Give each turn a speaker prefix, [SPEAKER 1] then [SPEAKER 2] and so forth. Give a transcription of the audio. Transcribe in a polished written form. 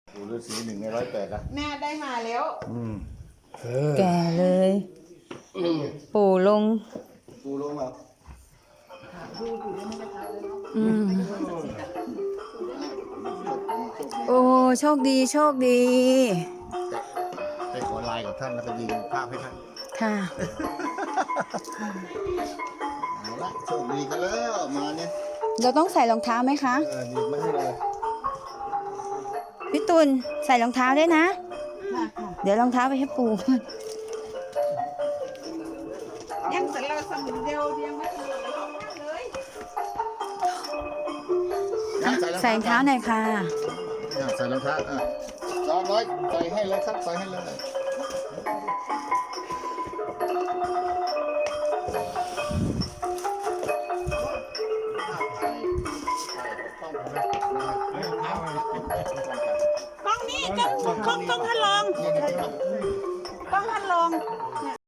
[SPEAKER 1] ปู่ฤาษี1 ใน 108นะ
[SPEAKER 2] แม่ได้มาแล้ว
[SPEAKER 3] แก่เลยปู่ลง
[SPEAKER 1] ปู่ลงมา
[SPEAKER 3] อืมโอ้โชคดีโชคดี
[SPEAKER 1] ไปขอไลน์กับท่านแล้วก็ยิงภาพให้ท่าน
[SPEAKER 3] ค่ะ
[SPEAKER 1] เอาละโชคดีกันแล้วมาเนี่ย
[SPEAKER 3] เราต้องใส่รองเท้าไหมคะ
[SPEAKER 1] ดีไม่ให้เลย
[SPEAKER 3] พี่ตุลใส่รองเท้าด้วยนะ เดี๋ยวรองเท้าไปให้ปู่
[SPEAKER 2] ยังแต่เราสมุนเดียวยังไม่ถึงเลย
[SPEAKER 3] ใส่รองเท้าหน่อยค่ะ
[SPEAKER 1] ใส่รองเท้าจอมร้อยใส่ให้เลยครับใส่ให้เลย
[SPEAKER 2] กล้องนี้กล้องท่านรองกล้องท่านรอง